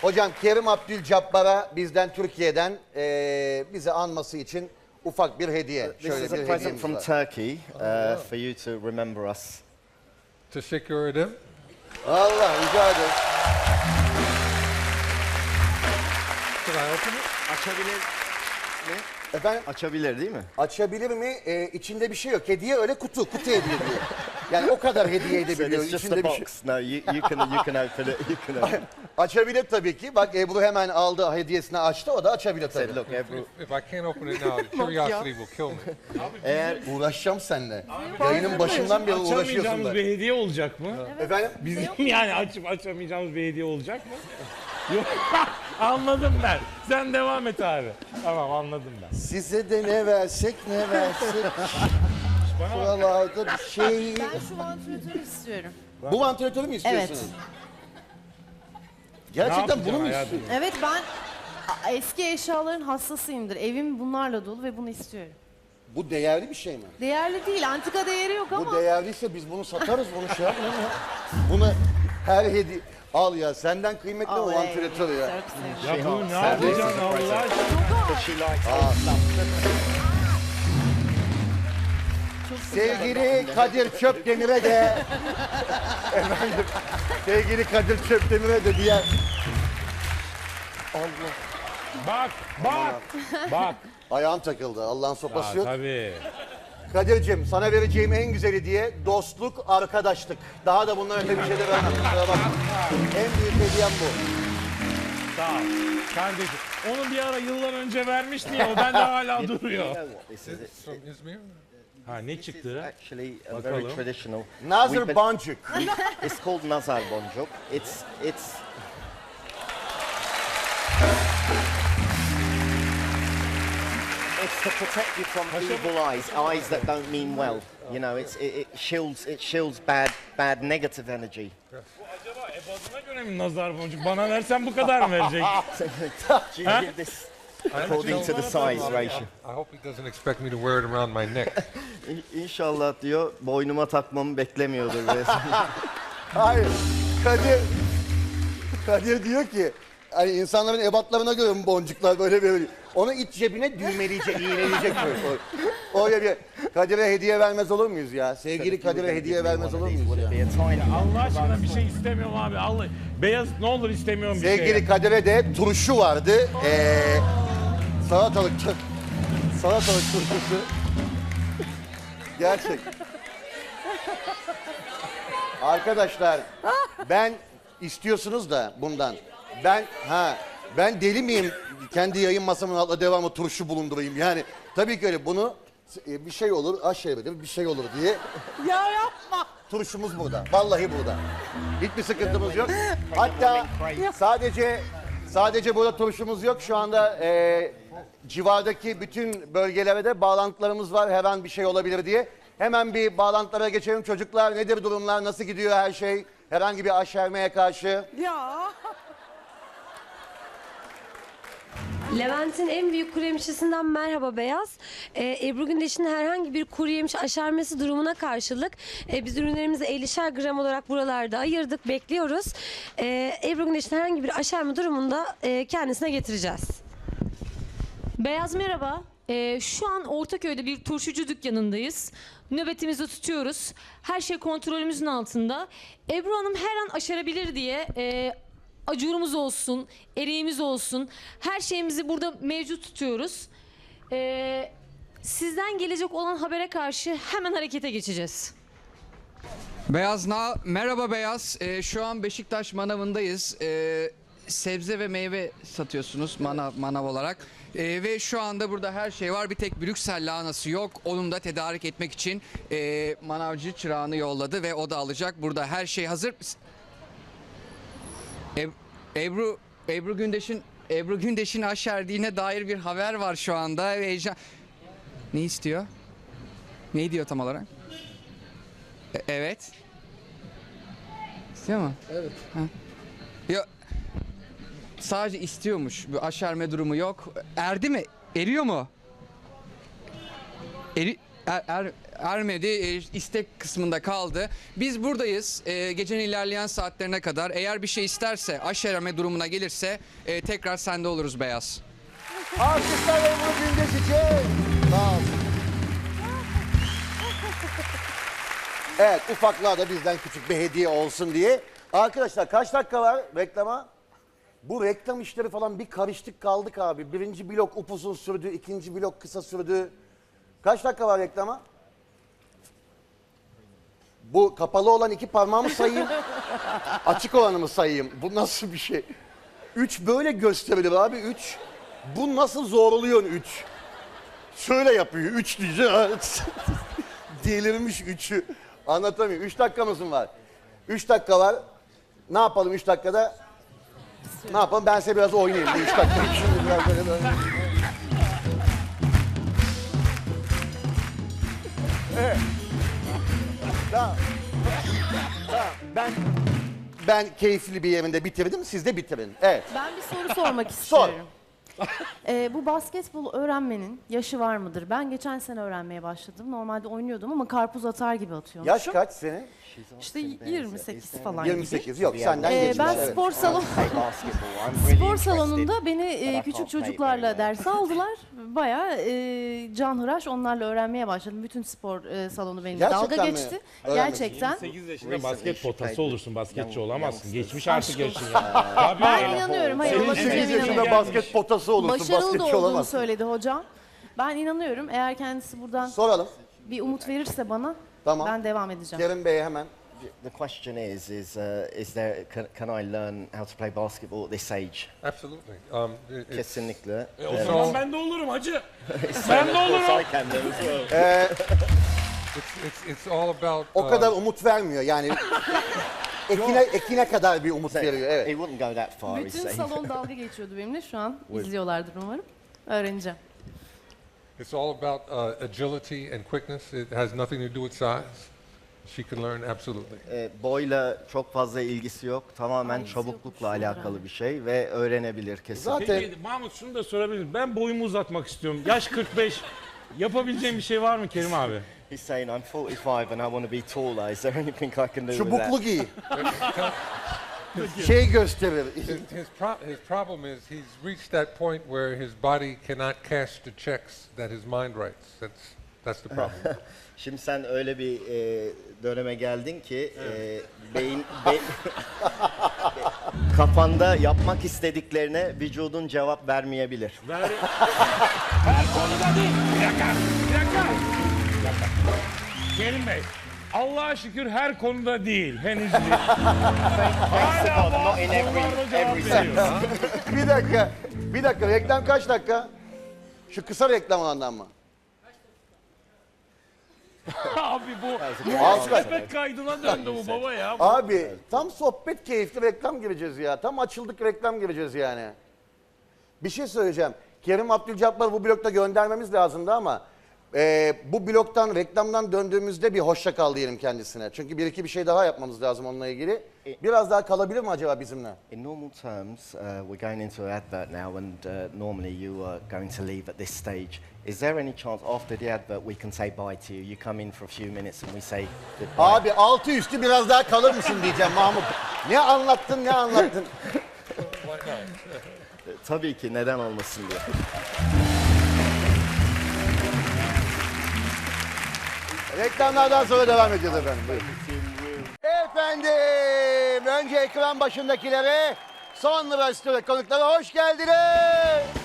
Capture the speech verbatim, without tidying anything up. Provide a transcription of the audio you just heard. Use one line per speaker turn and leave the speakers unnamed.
Hocam Kerim Abdülcabbar'a bizden Türkiye'den e, bizi anması için ufak bir hediye.
This
Şöyle
is a
bir
present
hediyemiz
from
var.
Turkey uh, for you to remember us.
Teşekkür ederim.
Allah rica ederim.
Can I open it?
Açabilir mi?
Efendim
Açabilir değil mi?
açabilir mi? E, içinde bir şey yok. Hediye öyle kutu. Kutu hediye diyor. Yani o kadar hediye
So
edebiliyor.
it's just
İçinde
a
bir şey.
box. No, you, you can you can open it. You can open it.
Açabilir tabii ki. Bak Ebru hemen aldı hediyesini açtı. O da açabilir tabii.
Said, look, Ebru.
If I can't open it now, curiosity will kill me.
Eğer
Uğraşacağım seninle. Yayının başından beri uğraşıyorsun
Açamayacağımız
da.
bir hediye olacak mı?
Efendim?
Bizim yani açıp açamayacağımız bir hediye olacak mı? Yok. Anladım ben. Sen devam et abi. Tamam anladım ben.
Size de ne versek ne versek. Buralarda bir şey.
Ben şu vantilatörü istiyorum.
Bu vantilatörü mü istiyorsunuz?
Evet.
Gerçekten
Ne
bunu mu
yapacaksın
istiyorsun?
Evet ben a- eski eşyaların hassasıyımdır. Evim bunlarla dolu ve bunu istiyorum.
Bu değerli bir şey mi?
Değerli değil, antika değeri yok
Bu
ama.
değerliyse biz bunu satarız, bunu şey yapmayalım ya. Bunu her hediye... Al ya, senden kıymetli o
Oley,
vantilatör ya.
çok sevdim.
Ya bunu ne yapacaksın Allah aşkına?
she likes old stuff.
Sevgili Kadir Çöpdemir'e de... Efendim, sevgili Kadir Çöpdemir'e de diğer... Allah.
Bak, bak, bak.
Ayağım takıldı, Allah'ın sopası
Ya,
yok.
tabii.
Kadir'cim sana vereceğim en güzel hediye dostluk, arkadaşlık. Daha da bundan öte bir şey de vermem. Kusura bakma. En büyük hediyem bu.
Sağ ol. Kardeşim. Onu bir ara yıllar önce vermiştin ya o bende hala duruyor.
You know what this is? It's
From İzmir.
Ha ne çıktı?
actually a
Bakalım.
very traditional.
Nazır
We've been-
Boncuk.
It's called Nazar Boncuk. It's it's it's to protect you from evil eyes, eyes that don't mean well. You know, it's it, it shields it shields bad bad negative energy.
Acaba ebadına göre mi nazar boncuk? Bana versen bu kadar mı verecek?
Do you give this according to the size ratio?
I hope he doesn't expect me to wear it around my neck.
İ- İnşallah diyor boynuma takmamı beklemiyordur resmen.
Hayır. Kadir, Kadir diyor ki hani insanların ebatlarına göre mi boncuklar böyle böyle. Onu iç cebine düğmeleyecek, iğneleyecek böyle. O- Öyle bir Kadir'e hediye vermez olur muyuz ya? Sevgili Kadir'e hediye vermez olur muyuz ya?
Be a tiny
Allah aşkına bir şey istemiyorum abi. Allah beyaz ne olur istemiyorum bir şey.
Sevgili Kadir'e de turşu vardı. Ee, salatalık, salatalık turşusu. Gerçek. Arkadaşlar ben istiyorsunuz da bundan. Ben ha ben deli miyim? Kendi yayın masamın altında devamlı turşu bulundurayım. Yani tabii ki öyle bunu e, bir şey olur, aşağıya bir şey olur diye.
Ya yapma.
Turşumuz burada. Vallahi burada. Hiçbir sıkıntımız yok. Hatta sadece sadece burada turşumuz yok. Şu anda e, civardaki bütün bölgelere de bağlantılarımız var. Her an bir şey olabilir diye. Hemen bir bağlantılara geçelim. Çocuklar nedir durumlar? Nasıl gidiyor her şey? Herhangi bir aşermeye karşı.
Ya.
Levent'in en büyük kuru yemişçisinden merhaba Beyaz. Ee, Ebru Gündeş'in herhangi bir kuru yemiş aşermesi durumuna karşılık e, biz ürünlerimizi ellişer gram olarak buralarda ayırdık, bekliyoruz. Ee, Ebru Gündeş'in herhangi bir aşerme durumunda e, kendisine getireceğiz.
Beyaz merhaba. Ee, şu an Ortaköy'de bir turşucu dükkanındayız. Nöbetimizi tutuyoruz. Her şey kontrolümüzün altında. Ebru Hanım her an aşerabilir diye e, acurumuz olsun, eriğimiz olsun. Her şeyimizi burada mevcut tutuyoruz. Ee, sizden gelecek olan habere karşı hemen harekete geçeceğiz.
Beyaz na merhaba Beyaz. Ee, şu an Beşiktaş manavındayız. Ee, sebze ve meyve satıyorsunuz manav manav olarak. Ee, ve şu anda burada her şey var. Bir tek Brüksel lahanası yok. Onu da tedarik etmek için e, manavcı çırağını yolladı ve o da alacak. Burada her şey hazır. Eb- Ebru Ebru Gündeş'in Ebru Gündeş'in aşerdiğine dair bir haber var şu anda. Heyecan. Ne istiyor? Ne diyor tam olarak? E- evet. İstiyor mu? Evet. Ha. Ya, sadece istiyormuş. Bir aşerme durumu yok. Erdi mi? Eriyor mu? Eri er, er- ermedi, e, istek kısmında kaldı. Biz buradayız e, gecenin ilerleyen saatlerine kadar. Eğer bir şey isterse, aşereme durumuna gelirse e, tekrar sende oluruz Beyaz.
Alkışlar Ebru Gündeş için. Sağ ol. Evet, ufaklığa da bizden küçük bir hediye olsun diye. Arkadaşlar kaç dakika var reklama? Bu reklam işleri falan bir karıştık kaldık abi. Birinci blok upuzun sürdü, ikinci blok kısa sürdü. Kaç dakika var reklama? Bu kapalı olan iki parmağımı sayayım. Açık olanı mı sayayım? Bu nasıl bir şey? Üç böyle gösterilir abi, üç. Bu nasıl zorluyor üç? Şöyle yapıyor, üç diyeceğim. Delirmiş üçü. Anlatamıyorum. Üç dakikamız mı var? Üç dakika var. Ne yapalım üç dakikada? Ne yapalım? Ben size biraz oynayayım. Bir üç dakika. Şimdi biraz böyle böyle. Evet. Tamam. Tamam. Ben ben keyifli bir yerinde bitirdim. Siz de bitirin. Evet.
Ben bir soru sormak
Sor.
istiyorum. Ee, bu basketbol öğrenmenin yaşı var mıdır? Ben geçen sene öğrenmeye başladım. Normalde oynuyordum ama karpuz atar gibi atıyormuşum.
Yaş kaç senin?
İşte yirmi sekiz falan
yirmi
gibi.
sekiz. Yok senden
Ee,
geçmiş.
ben
evet.
spor salon
Play basketball. I'm really
spor
interested.
salonunda beni e,
I
küçük
can't play
çocuklarla
very well.
ders aldılar. Bayağı e, canhıraş onlarla öğrenmeye başladım. Bütün spor e, salonu benimle
Gerçekten
dalga
mi?
geçti.
Öğrenmek
Gerçekten.
sekiz yaşında
Recently
basket
she
potası
played
olursun, basketçi
young-
olamazsın.
youngsters.
Geçmiş artık yaşın ya. Tabii.
Ben inanıyorum. Hayır,
Senin
olabileceğine
sekiz yaşında
inanıyorum.
basket potası olursun.
Başarılı da
basketçi
olduğunu
olamazsın.
söyledi hocam. Ben inanıyorum. Eğer kendisi buradan
Soralım.
bir umut verirse bana
Tamam.
ben devam edeceğim.
Kerim Bey'e hemen.
The question is, is, uh, is there, can, can I learn how to play basketball at this age?
Absolutely. Um, it- it's,
Kesinlikle.
E, o
Evet.
zaman ben de olurum hacı. ben de olurum.
I can do as well.
it's, it's, it's all about.
O
uh,
kadar umut vermiyor yani. ekine, ekine kadar bir umut veriyor. Evet.
He wouldn't go that far, he's
Bütün
saying.
salon dalga geçiyordu benimle. Şu an izliyorlardır umarım. Öğreneceğim.
It's all about uh, agility and quickness. It has nothing to do with size. She can learn absolutely.
E, boyla çok fazla ilgisi yok. Tamamen
ilgisi
çabuklukla
yokmuş,
alakalı
doğru.
bir şey ve öğrenebilir kesinlikle.
Zaten
Peki Mahmut şunu da sorabilirim. Ben boyumu uzatmak istiyorum. Yaş kırk beş. Yapabileceğim bir şey var mı Kerim abi?
He's saying I'm forty-five and I want to be taller. Is there anything I can do with
çubuklu
that?
giy. şey gösterir.
His, his, pro- his problem is he's reached that point where his body cannot cash the checks that his mind writes. That's that's the problem.
Şimdi sen öyle bir e, döneme geldin ki e, beyin be- kafanda yapmak istediklerine vücudun cevap vermeyebilir.
Ver... Her konuda değil. Bir dakika. Bir dakika. Bir dakika. Kerim Bey. Allah'a şükür her konuda değil. Henüz değil. Hala
God, not in
bazı
every-
konularda cevap
every
veriyor.
bir dakika. Bir dakika. Reklam kaç dakika? Şu kısa reklam olandan mı?
Abi bu
Altı dakika.
sohbet kaydına döndü bu baba ya.
Abi tam sohbet keyifli reklam gireceğiz ya. Tam açıldık reklam gireceğiz yani. Bir şey söyleyeceğim. Kerim Abdülcabbar'ı bu blokta göndermemiz lazımdı ama e, bu bloktan reklamdan döndüğümüzde bir hoşça kal diyelim kendisine. Çünkü bir iki bir şey daha yapmamız lazım onunla ilgili. Biraz daha kalabilir mi acaba bizimle?
In normal terms, uh, we're going into an advert now, and uh, normally you are going to leave at this stage. Is there any chance after the advert we can say bye to you? You come in for a few minutes and we say goodbye.
Abi altı üstü biraz daha kalır mısın diyeceğim Mahmut. Ne anlattın ne anlattın.
Tabii ki, neden olmasın diye.
Reklamlardan sonra devam edeceğiz efendim. Buyurun. Efendim, önce ekran başındakilere, sonra stüdyo konuklara hoş geldiniz.